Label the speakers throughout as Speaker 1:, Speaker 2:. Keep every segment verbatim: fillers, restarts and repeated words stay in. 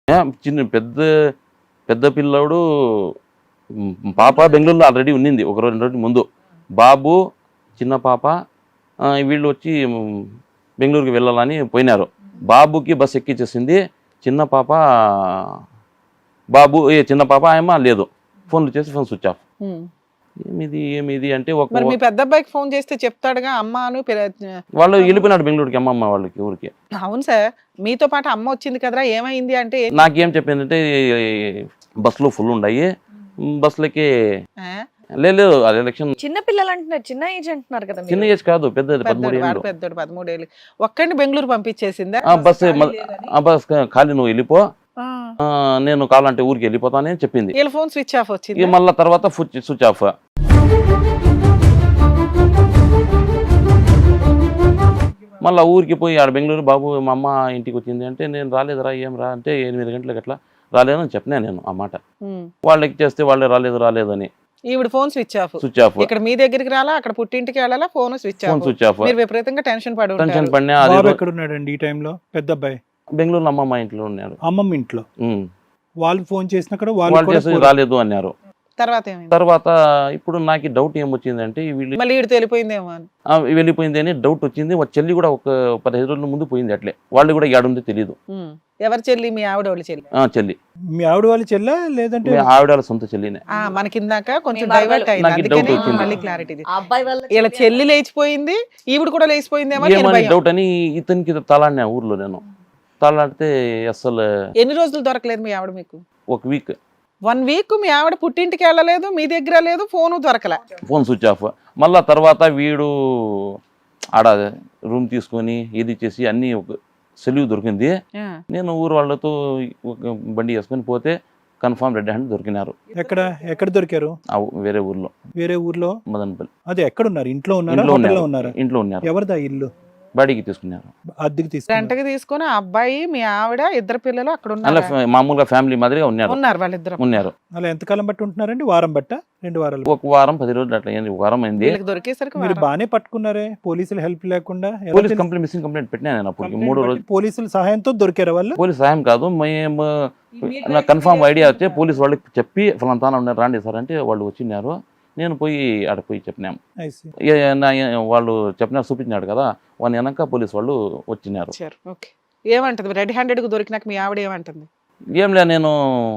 Speaker 1: ఆ! చిన్న పెద్ద పెద్ద పిల్లోడు హ్మ్, పాప బెంగుళూరులో ఆల్రెడీ ఉన్నింది. ఒక రెండు రోజుల ముందు. బాబు, చిన్న పాప ఆహ్, వీళ్ళు వచ్చి హ్మ్, బెంగుళూరుకి వెళ్ళాలని పోయినారు. బాబుకి బస్ ఎక్కిచ్చేసింది. చిన్న పాప బాబు ఏ చిన్న పాప ఆయమ్మ లేదు. ఫోన్లు చేసి ఫోన్ స్విచ్ ఆఫ్.
Speaker 2: హ్మ్.
Speaker 1: ఏమిది ఏమిది అంటే ఒక
Speaker 2: మరి మీ పెద్ద అబ్బాయికి ఫోన్ చేస్తే చెప్తాడుగా అమ్మ అను పిల-
Speaker 1: వాళ్ళు వెళ్ళిపోయినాడు బెంగుళూరుకి అమ్మమ్మ వాళ్ళకి ఊరికి.
Speaker 2: అవును సార్, మీతో పాటు అమ్మ వచ్చింది కదరా ఏమైంది అంటే ఏం-
Speaker 1: నాకేం చెప్పిందంటే బస్సులు ఫుల్ ఉన్నాయి. బస్సులకి
Speaker 2: ఆ?
Speaker 1: లేదు అది ఎలక్షన్
Speaker 3: చిన్న పిల్లలు అంటున్నారు, చిన్న ఏజ్ అంటున్నారు కదా
Speaker 1: చిన్న
Speaker 3: మీరు.
Speaker 1: ఏజ్ కాదు పెద్దది పదమూడు
Speaker 2: పెద్దోడు వాడు
Speaker 1: ఏళ్ళు.
Speaker 2: పెద్దోడు పదమూడేళ్ళు ఒక్కడిని బెంగళూరు పంపించేసిందా?
Speaker 1: ఆ బస్సు ఆ బస్ ఖాళీ నువ్వు వెళ్ళిపో
Speaker 2: ఆ.
Speaker 1: ఆ, నేను కావాలంటే ఊరికి వెళ్ళిపోతానని చెప్పింది.
Speaker 2: వీళ్ళ ఫోన్ స్విచ్ ఆఫ్
Speaker 1: ఇక
Speaker 2: వచ్చింది.
Speaker 1: మళ్ళా తర్వాత ఫుచ్ స్విచ్ ఆఫ్. మళ్ళీ ఊరికి పోయి ఆడ బెంగళూరు బాబు మా అమ్మ ఇంటికి వచ్చింది అంటే నేను రాలేదురా ఏం రా అంటే ఎనిమిది గంటలకు అట్లా రాలేదని చెప్పినా నేను ఆ మాట.
Speaker 2: ఉమ్.
Speaker 1: వాళ్ళకి చేస్తే వాళ్ళే రాలేదు రాలేదని
Speaker 2: ఈవిడ phone switch off.
Speaker 1: Switch off.
Speaker 2: ఇక్కడ మీ దగ్గరికి రాలా, అక్కడ పుట్టింటికి వెళ్ళాలా, phone switch
Speaker 1: phone
Speaker 2: off.
Speaker 1: Switch off.
Speaker 2: మీరు విపరీతంగా టెన్షన్ పడి
Speaker 1: టెన్షన్
Speaker 2: ఉంటారు.
Speaker 1: పడినా అది
Speaker 4: బాబు ఎక్కడ ఉన్నాడండి ఈ టైంలో? పెద్ద అబ్బాయి
Speaker 1: బెంగళూరు అమ్మమ్మ ఇంట్లో ఉన్నాడు.
Speaker 4: అమ్మమ్మ ఇంట్లో.
Speaker 1: ఉమ్.
Speaker 4: వాళ్ళు ఫోన్ చేసినా కూడా వాళ్ళు
Speaker 1: వాళ్ళు
Speaker 4: కూడా
Speaker 1: చేసి
Speaker 4: పోరు.
Speaker 1: రాలేదు అన్నారు.
Speaker 2: తర్వాత ఏమైంది?
Speaker 1: తర్వాత ఇప్పుడు నాకు డౌట్ ఏమొచ్చిందంటే వీళ్ళు
Speaker 2: మళ్ళీ ఈడు తెలిపోయిందేమో అని.
Speaker 1: ఆ, వెళ్ళిపోయింది అని డౌట్ వచ్చింది. వాళ్ళ చెల్లి కూడా ఒక పదిహేను రోజుల ముందు పోయింది అట్లే. వాళ్ళు కూడా ఏడుందో తెలియదు.
Speaker 2: ఉమ్. ఎవరి చెల్లి? మీ ఆవిడ వాళ్ళ చెల్లి.
Speaker 1: ఆ చెల్లి
Speaker 4: మీ ఆవిడ వాళ్ళ చెల్లా లేదంటే
Speaker 1: మీ ఆవిడ వాళ్ళ సొంత చెల్లినే.
Speaker 2: ఆ మనకిందాక కొంచెం
Speaker 3: మీ
Speaker 2: డైవర్ట్
Speaker 3: మరదలు.
Speaker 2: అయింది,
Speaker 1: నాకు
Speaker 2: అందుకని
Speaker 1: doubt వచ్చింది.
Speaker 2: మళ్ళీ క్లారిటీ.
Speaker 3: ఆ అబ్బాయి వల్ల
Speaker 2: వీళ్ళ చెల్లి లేచిపోయింది, ఈవిడ కూడా లేచిపోయిందేమో అని ఈయన
Speaker 1: ఏమని
Speaker 2: భయం.
Speaker 1: డౌట్ అని ఇతనికి తలాడినా ఊర్లో నేను. తలాడితే అసలు
Speaker 2: ఎన్ని రోజులు దొరకలేదు మీ ఆవిడ మీకు?
Speaker 1: ఒక వీక్
Speaker 2: వన్ వీక్ మీ ఆవిడ పుట్టింటికి వెళ్ళలేదు, మీ దగ్గర లేదు, ఫోను దొరకలే.
Speaker 1: Phone switch off. మళ్ళా తర్వాత వీడు ఆడ రూమ్ తీసుకొని ఇది చేసి అన్నీ ఒక సెలవు దొరికింది.
Speaker 2: ఆ.
Speaker 1: నేను ఊరు వాళ్ళతో ఒక బండి వేసుకొని పోతే కన్ఫామ్ రెడ్ హ్యాండ్ దొరికినారు.
Speaker 4: ఎక్కడ ఎక్కడ దొరికారు?
Speaker 1: ఆ ఊ- వేరే ఊర్లో
Speaker 4: వేరే ఊర్లో.
Speaker 1: మదనపల్లి.
Speaker 4: అదే ఎక్కడ ఉన్నారు? ఇంట్లో ఉన్నారా,
Speaker 1: ఇంట్లో
Speaker 4: హోటల్లో
Speaker 1: ఉన్నారు.
Speaker 4: ఉన్నారా?
Speaker 1: ఇంట్లో ఉన్నారు.
Speaker 4: ఎవరిదా ఇల్లు?
Speaker 1: బాడీకి తీసుకున్నారు.
Speaker 4: అద్దెకి తీసుకున్నారు.
Speaker 2: రెంటకి తీసుకుని ఆ అబ్బాయి మీ ఆవిడ ఇద్దరు పిల్లలు అక్కడ
Speaker 1: అలా
Speaker 2: ఉన్నారు.
Speaker 1: ఫ్యా- మామూలుగా ఫ్యామిలీ మాదిరిగా ఉన్నారు.
Speaker 2: ఉన్నారు వాళ్ళిద్దరు.
Speaker 1: ఉన్నారు.
Speaker 4: అలా ఎంతకాలం బట్టి ఉంటున్నారండి? వారం బట్ట, రెండు వారాలు?
Speaker 1: ఒక వారం పది రోజులు అట్లా అయింది. ఒక వారం అయింది.
Speaker 2: వీళ్ళకి దొరికేసరికి
Speaker 4: మీరు
Speaker 2: వారం.
Speaker 4: బానే పట్టుకున్నారే, పోలీసులు హెల్ప్ లేకుండా. ఎలా
Speaker 1: పోలీస్
Speaker 4: తెలుసు?
Speaker 1: కంప్లైంట్ మిస్సింగ్ కంప్లైంట్ పెట్టినా నేను అప్పటికి
Speaker 4: కంప్లైంట్
Speaker 1: మూడు
Speaker 4: బట్టి
Speaker 1: రోజులు.
Speaker 4: పోలీసుల సహాయంతో దొరికారు వాళ్ళు.
Speaker 1: పోలీస్ సాయం కాదు మేము నాకు కన్ఫామ్ ఐడియా వచ్చే పోలీస్ వాళ్ళకి చెప్పి ఫలానా ఉన్నారు రాండి సార్ అంటే వాళ్ళు వచ్చినారు. నేను పోయి ఆడ పోయి చెప్పినాము.
Speaker 4: I see.
Speaker 1: ఏ- నా- వాళ్ళు చెప్పినారు చూపించినాడు కదా వాళ్ళని వెనక పోలీస్ వాళ్ళు వచ్చినారు.
Speaker 2: ఇచ్చారు. ఓకే. ఏమంటది రెడ్ హ్యాండెడ్ కు దొరికినాక మీ ఆవిడ ఏమంటుంది?
Speaker 1: ఏం లే నేను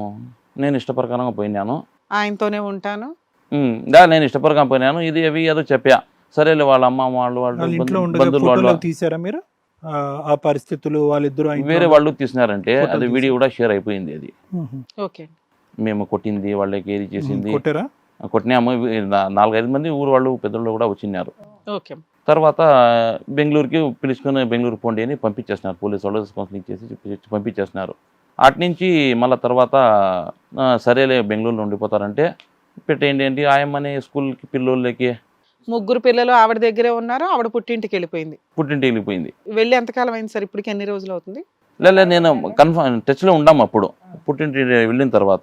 Speaker 1: నేను ఇష్టప్రకారంగా పోయినాను.
Speaker 2: ఆయనతోనే ఉంటాను.
Speaker 1: ఉమ్, దా నేను ఇష్టప్రకారం పోయినాను. ఇది అవి ఏదో చెప్పా. సరేలే వాళ్ళ అమ్మ వాళ్ళు వాళ్ళు
Speaker 4: వాళ్ళ ఇంట్లో
Speaker 1: బంధు-
Speaker 4: ఉండగా
Speaker 1: బంధువులు వాళ్ళు
Speaker 4: ఫోటోలు తీసారా మీరు? ఆ, ఆ పరిస్థితులు వాళ్ళిద్దరు ఆ ఇంట్లో
Speaker 1: వేరే
Speaker 4: ఉండగా-
Speaker 1: వాళ్ళు తీసినారంటే
Speaker 4: ఫోటోలు
Speaker 1: అది వీడియో కూడా షేర్ అయిపోయింది. అది
Speaker 4: మ్మ్.
Speaker 2: ఓకే.
Speaker 1: మేము కొట్టింది వాళ్ళకి ఏది చేసింది
Speaker 4: కొట్టారా?
Speaker 1: కొట్టినాము. నా- నాలుగైదు మంది ఊరు వాళ్ళు పెద్దోళ్ళు కూడా వచ్చినారు.
Speaker 2: ఓకే.
Speaker 1: తర్వాత బెంగళూరుకి పిలుచుకొని బెంగళూరు పోండి అని పంపించేస్తున్నారు. పోలీసు వాళ్ళు కౌన్సిలింగ్ చేసి చెప్పి- పంపించేస్తున్నారు. అటు నుంచి మళ్ళీ తర్వాత ఆ, సరేలే బెంగళూరులో ఉండిపోతారంటే పెట్టేయండి ఏంటి ఆయమ్మని స్కూల్కి పిల్లోళ్ళకి
Speaker 2: ముగ్గురు పిల్లలు ఆవిడ దగ్గరే ఉన్నారు, ఆవిడ పుట్టింటికి వెళ్ళిపోయింది.
Speaker 1: పుట్టింటి వెళ్ళిపోయింది.
Speaker 2: వెళ్ళి ఎంతకాలం అయింది సార్? ఇప్పటికి ఎన్ని రోజులు అవుతుంది?
Speaker 1: లేదు నేను కన్ఫర్మ్ టచ్లో ఉండాము అప్పుడు. పుట్టింటి వెళ్ళిన తర్వాత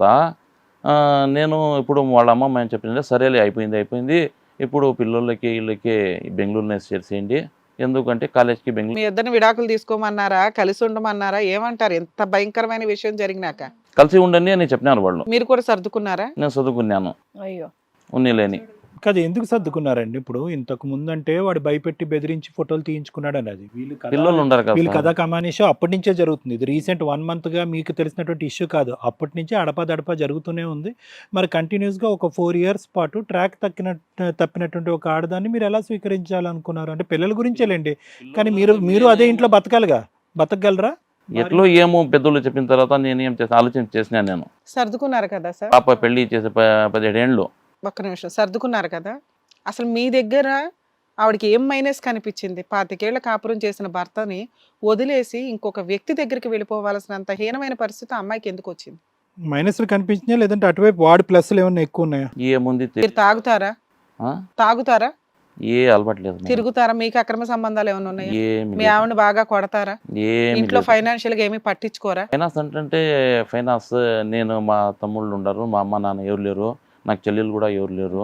Speaker 1: ఆ, నేను ఇప్పుడు వాళ్ళ అమ్మమ్మ ఏం చెప్పిందంటే సరేలే అయిపోయింది అయిపోయింది ఇప్పుడు పిల్లలకి వీళ్ళకి బెంగళూరునే చేసేయండి. ఎందుకంటే కాలేజ్కి బెంగళూరు
Speaker 2: మీ ఇద్దరిని విడాకులు తీసుకోమన్నారా, కలిసి ఉండమన్నారా, ఏమంటారు? ఎంత భయంకరమైన విషయం జరిగినాక
Speaker 1: కలిసి ఉండండి అని చెప్పినారు వాళ్ళు.
Speaker 2: మీరు కూడా సర్దుకున్నారా?
Speaker 1: నేను చదువుకున్నాను
Speaker 3: అయ్యో.
Speaker 1: ఉన్నీలేని.
Speaker 4: కదా ఎందుకు సర్దుకున్నారండి? ఇప్పుడు ఇంతకు ముందు అంటే వాడు భయపెట్టి బెదిరించి ఫోటోలు తీయించుకున్నాడు అన్నది. వీళ్ళు కథ-
Speaker 1: పిల్లలు ఉండరు
Speaker 4: వీళ్ళు
Speaker 1: కదా
Speaker 4: కథా కమానేషో అప్పటి నుంచే జరుగుతుంది. ఇది రీసెంట్ వన్ మంత్ గా మీకు తెలిసినటువంటి ఇష్యూ కాదు. అప్పటి నుంచే అడపాదడపా జరుగుతూనే ఉంది. మరి కంటిన్యూస్ గా ఒక ఫోర్ ఇయర్స్ పాటు ట్రాక్ తక్కిన తప్పినటువంటి ఒక ఆడదాన్ని మీరు ఎలా స్వీకరించాలనుకున్నారు? అంటే పిల్లల గురించేలేండి, కానీ మీరు మీరు అదే ఇంట్లో బతకాలిగా, బతకగలరా?
Speaker 1: ఎట్లో ఏమో పెద్దోళ్ళు చెప్పిన తర్వాత నేను ఏం చేసిన ఆలోచన చేసినా. నేను
Speaker 2: సర్దుకున్నారు కదా సార్?
Speaker 1: పాప పెళ్లి చేసే ప- పదిహేడేళ్ళు
Speaker 2: ఒక్క నిమిషం. సర్దుకున్నారు కదా? అసలు మీ దగ్గర ఆవిడకి ఏం మైనస్ కనిపించింది? పాతికేళ్ల కాపురం చేసిన భర్తని వదిలేసి ఇంకొక వ్యక్తి దగ్గరికి వెళ్ళిపోవాల్సినంత హీనమైన పరిస్థితి ఆ అమ్మాయికి ఎందుకు వచ్చింది?
Speaker 4: మైనస్లు కనిపించినాయా లేదంటే అటువైపు వాడి ప్లస్లు ఏమన్నా ఎక్కువ ఉన్నాయా?
Speaker 1: ఏముంది తె-
Speaker 2: మీరు తాగుతారా?
Speaker 1: ఆ?
Speaker 2: తాగుతారా?
Speaker 1: ఏ అలవాట్లేదు మేడం.
Speaker 2: తిరుగుతారా? మీకు అక్రమ సంబంధాలు ఏమైనా ఉన్నాయా?
Speaker 1: ఏమి
Speaker 2: మీ ఆవిడని బాగా కొడతారా?
Speaker 1: ఏమి
Speaker 2: ఇంట్లో
Speaker 1: లేదు.
Speaker 2: ఫైనాన్షియల్ గా ఏమీ పట్టించుకోరా?
Speaker 1: ఫైనాన్స్ అంటే ఫైనాన్స్ నేను మా తమ్ముళ్ళు ఉండరు, మా అమ్మ నాన్న ఎవరు లేరు, నాకు చెల్లెలు కూడా ఎవరు లేరు.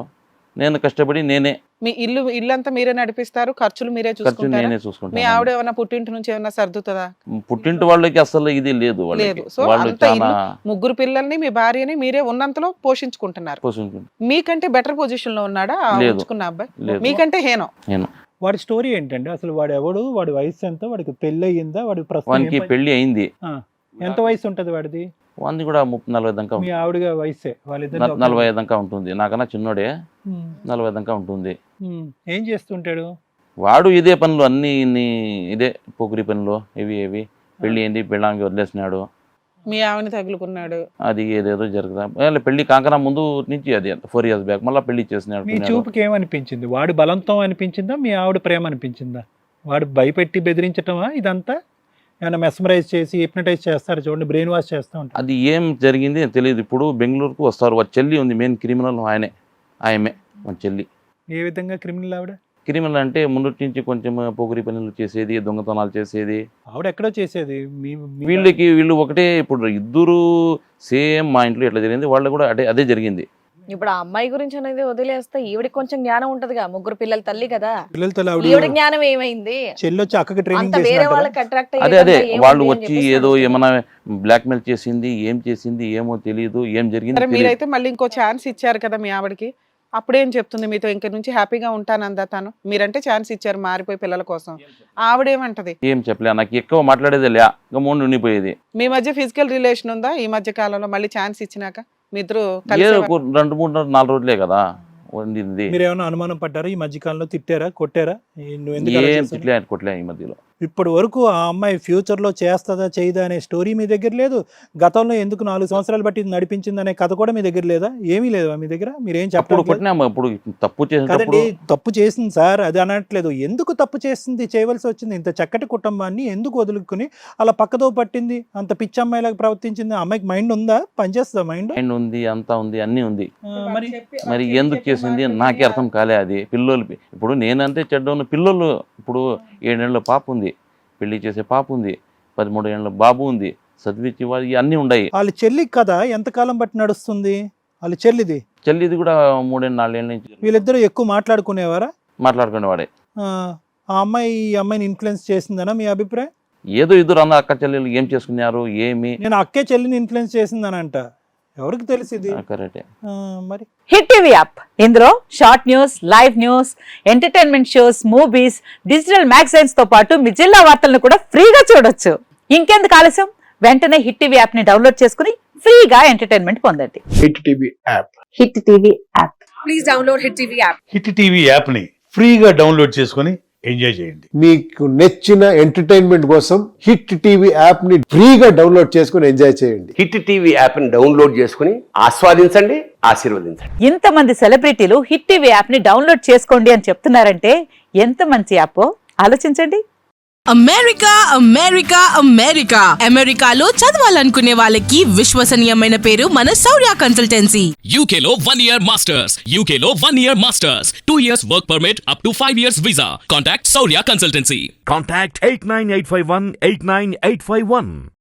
Speaker 1: నేను కష్టపడి నేనే
Speaker 2: మీ ఇల్లు ఇల్లంతా మీరే నడిపిస్తారు, ఖర్చులు మీరే
Speaker 1: ఖర్చు
Speaker 2: చూసుకుంటారా?
Speaker 1: నేనే
Speaker 2: మీ
Speaker 1: చూసుకుంటాను.
Speaker 2: ఆవిడ ఏమైనా పుట్టింటి నుంచి ఏమైనా సర్దుతుందా?
Speaker 1: పుట్టింటి వాళ్ళకి అసలు ఇది లేదు, వాళ్ళకి
Speaker 2: లేదు. సో
Speaker 1: వాళ్ళు
Speaker 2: అంత
Speaker 1: చాలా
Speaker 2: ఇల్లు, ముగ్గురు పిల్లల్ని మీ భార్యని మీరే ఉన్నంతలో పోషించుకుంటున్నారు.
Speaker 1: పోషించుకుంటారు.
Speaker 2: మీకంటే బెటర్ పొజిషన్ లో ఉన్నాడా ఆ
Speaker 1: లేదు.
Speaker 2: ఉంచుకున్న అబ్బాయి?
Speaker 1: లేదు.
Speaker 2: మీకంటే హేనం.
Speaker 1: నేను
Speaker 4: వాడి స్టోరీ ఏంటండి అసలు? వాడు ఎవడు, వాడి వయసు ఎంత, వాడికి పెళ్లి అయ్యిందా, వాడి ప్రస్తుతం
Speaker 1: వానికి
Speaker 4: ఏం పని-
Speaker 1: పెళ్లి అయింది.
Speaker 4: ఆ, ఎంత వయసు ఉంటది వాడిది?
Speaker 1: వానికి కూడా ముప్పై నలభై దాకా
Speaker 4: మీ ఆవిడ వయసే వాళ్ళిద్దరు
Speaker 1: న- నలభై ఐదు దాకా ఉంటుంది. నాకన్నా చిన్నోడే, నలభై దాకా ఉంటుంది.
Speaker 4: ఏం చేస్తుంటాడు?
Speaker 1: వాడు ఇదే పనులు అన్ని ఇన్ని ఇదే పొగిరి పనులు ఇవి ఇవి పెళ్లి ఏంది పెళ్ళాంగి వదిలేసినాడు,
Speaker 2: మీ ఆవిడని తగులుకున్నాడు.
Speaker 1: అది ఏదేదో జరుగుతా పెళ్లి కాకనా ముందు నుంచి అది ఫోర్ ఇయర్స్ బ్యాక్ మళ్ళీ పెళ్లి
Speaker 4: మీ
Speaker 1: చేసినాడు.
Speaker 4: చూపుకి ఏమనిపించింది? వాడు బలంతం అనిపించిందా, మీ ఆవిడ ప్రేమ అనిపించిందా? వాడు భయపెట్టి బెదిరించటమా ఇదంతా? ఏమైనా మెస్మరైజ్ చేసి హిప్నటైజ్ చేస్తారు చూడండి, బ్రెయిన్ వాష్ చేస్తూ ఉంటారు.
Speaker 1: అది ఏం జరిగింది తెలియదు. ఇప్పుడు బెంగళూరుకు వస్తారు, వాళ్ళ చెల్లి ఉంది, మెయిన్ క్రిమినల్ ఆయనే, ఆయమే మన చెల్లి.
Speaker 4: ఏ విధంగా క్రిమినల్ ఆవిడ?
Speaker 1: క్రిమినల్ అంటే ముందు నుంచి కొంచెం పొగిరి పనులు చేసేది, దొంగతనాలు చేసేది.
Speaker 4: ఆవిడ ఎక్కడో చేసేది. మీ మీ-
Speaker 1: వీళ్ళకి వీళ్ళు ఒకటే, ఇప్పుడు ఇద్దరు సేమ్ మా ఇంట్లో ఎట్లా జరిగింది వాళ్ళు కూడా అదే అదే జరిగింది.
Speaker 3: ఇప్పుడు ఆ అమ్మాయి గురించి అనేది వదిలేస్తే ఈవిడికి కొంచెం జ్ఞానం ఉంటదిగా, ముగ్గురు పిల్లల తల్లి కదా,
Speaker 4: పిల్లలతో ఆవిడ
Speaker 3: ఈవిడ జ్ఞానం ఏమైంది?
Speaker 4: చెల్లి వచ్చి అక్కకి ట్రైనింగ్
Speaker 3: అంత వేరే
Speaker 4: చేసినట్టు
Speaker 3: వాళ్ళకి అట్రాక్ట్
Speaker 1: అదే అదే వాళ్ళు వచ్చి ఏదో ఏమైనా బ్లాక్మెయిల్ చేసింది, ఏం చేసింది ఏమో తెలియదు, ఏం జరిగింది
Speaker 2: సరే,
Speaker 1: తెలియదు.
Speaker 2: మీరైతే మళ్ళీ ఇంకో ఛాన్స్ ఇచ్చారు కదా మీ ఆవిడకి, అప్పుడేం చెప్తుంది మీతో? ఇంక నుంచి హ్యాపీగా ఉంటానందా తను? మీరంటే ఛాన్స్ ఇచ్చారు మారిపోయి పిల్లల కోసం, ఆవిడేమంటది?
Speaker 1: ఏం చెప్పలే, నాకు ఎక్కువ మాట్లాడేది లే, ఇంకా మూడు ఉండిపోయేది.
Speaker 2: మీ మధ్య ఫిజికల్ రిలేషన్ ఉందా ఈ మధ్య కాలంలో? మళ్ళీ ఛాన్స్ ఇచ్చినాక మీ ఇద్దరు
Speaker 1: ఏదో
Speaker 2: కలిసి
Speaker 1: ఒక రెండు మూడు నాలుగు రోజులే కదా ఉండింది.
Speaker 4: మీరు ఏమైనా అనుమానం పడ్డారా? ఈ మధ్యకాలంలో తిట్టారా, కొట్టారా? ఈ నువ్వు ఎందుకు అలా
Speaker 1: ఏం
Speaker 4: చేసావు?
Speaker 1: తిట్లే కొట్లే ఈ మధ్యలో.
Speaker 4: ఇప్పటి వరకు ఆ అమ్మాయి ఫ్యూచర్ లో చేస్తుందా చేయదా అనే స్టోరీ మీ దగ్గర లేదు. గతంలో ఎందుకు నాలుగు సంవత్సరాలు బట్టి ఇది నడిపించింది అనే కథ కూడా మీ దగ్గర లేదా? ఏమీ లేదు మీ దగ్గర. మీరేం
Speaker 1: అప్పుడు
Speaker 4: చెప్పలేదు
Speaker 1: కొట్టినాము, అప్పుడు తప్పు చేసినప్పుడు
Speaker 4: కదండి. తప్పు చేసింది సార్, అది అనట్లేదు. ఎందుకు తప్పు చేసింది, చేయవలసి వచ్చింది? ఇంత చక్కటి కుటుంబాన్ని ఎందుకు వదులుకుని అలా పక్కదో పట్టింది? అంత పిచ్చి అమ్మాయిలాగా ప్రవర్తించింది. ఆ అమ్మాయికి మైండ్ ఉందా? పనిచేస్తుందా మైండ్?
Speaker 1: మైండ్ ఉంది, అంతా ఉంది, అన్నీ ఉంది.
Speaker 4: మరి
Speaker 1: మరి ఎందుకు చేసింది నాకే అర్థం కాలే. అది పిల్లోలు, ఇప్పుడు నేనంతే చెడ్డను, పిల్లోలు ఇప్పుడు ఏడేళ్ళ పాప ఉంది, పెళ్లి చేసే పాప ఉంది, పదమూడు ఏళ్ళ బాబు ఉంది, చదివించి వాళ్ళు అన్నీ ఉన్నాయి.
Speaker 4: వాళ్ళ చెల్లి కదా ఎంతకాలం బట్టి నడుస్తుంది? వాళ్ళ చెల్లిది
Speaker 1: చెల్లిది కూడా మూడేళ్ళు నాలుగేళ్ళ నుంచి
Speaker 4: వీళ్ళిద్దరూ ఎక్కువ మాట్లాడుకునేవారా?
Speaker 1: మాట్లాడుకునేవాడే.
Speaker 4: ఆ ఆ అమ్మాయి ఈ అమ్మాయిని ఇన్ఫ్లుయెన్స్ చేసిందనా మీ అభిప్రాయం?
Speaker 1: ఏదో ఇద్దరు అన్న అక్క చెల్లెలు ఏం చేసుకున్నారు ఏమి
Speaker 4: నేను అక్కే చెల్లిని ఇన్ఫ్లుయెన్స్ చేసిందనంట. ఎవరికి తెలిసింది?
Speaker 1: కరెక్టే.
Speaker 4: మరి
Speaker 5: హిట్ టీవీ యాప్, ఇందులో short news, live news, entertainment shows, movies, digital magazines తో పాటు మీ జిల్లా వార్తలను కూడా ఫ్రీగా చూడొచ్చు. ఇంకెందుకు ఆలస్యం, వెంటనే హిట్ టీవీ యాప్ ని డౌన్లోడ్ చేసుకుని ఫ్రీగా ఎంటర్టైన్మెంట్ పొందండి.
Speaker 6: Hit TV app
Speaker 5: hit TV app.
Speaker 3: Please download hit TV app.
Speaker 7: Hit TV యాప్ని ఫ్రీగా డౌన్లోడ్ చేసుకొని ఎంజాయ్ చేయండి.
Speaker 6: మీకు నచ్చిన ఎంటర్టైన్మెంట్ కోసం హిట్ టీవీ యాప్ ని ఫ్రీగా డౌన్లోడ్ చేసుకుని ఎంజాయ్ చేయండి.
Speaker 8: హిట్ టీవీ యాప్ని డౌన్లోడ్ చేసుకుని ఆస్వాదించండి, ఆశీర్వదించండి.
Speaker 5: ఇంతమంది సెలబ్రిటీలు హిట్ టీవీ యాప్ ని డౌన్లోడ్ చేసుకోండి అని చెప్తున్నారంటే ఎంత మంచి యాప్ ఆలోచించండి.
Speaker 9: అమెరికా అమెరికా అమెరికా అమెరికాలో చదవాలనుకునే వాళ్ళకి విశ్వసనీయమైన పేరు మన శౌర్య కన్సల్టెన్సీ.
Speaker 10: U K లో one year masters, U K లో one year masters, two years work permit up to five years visa. Contact Saurya Consultancy.
Speaker 11: Contact eight nine eight five one eight nine eight five one.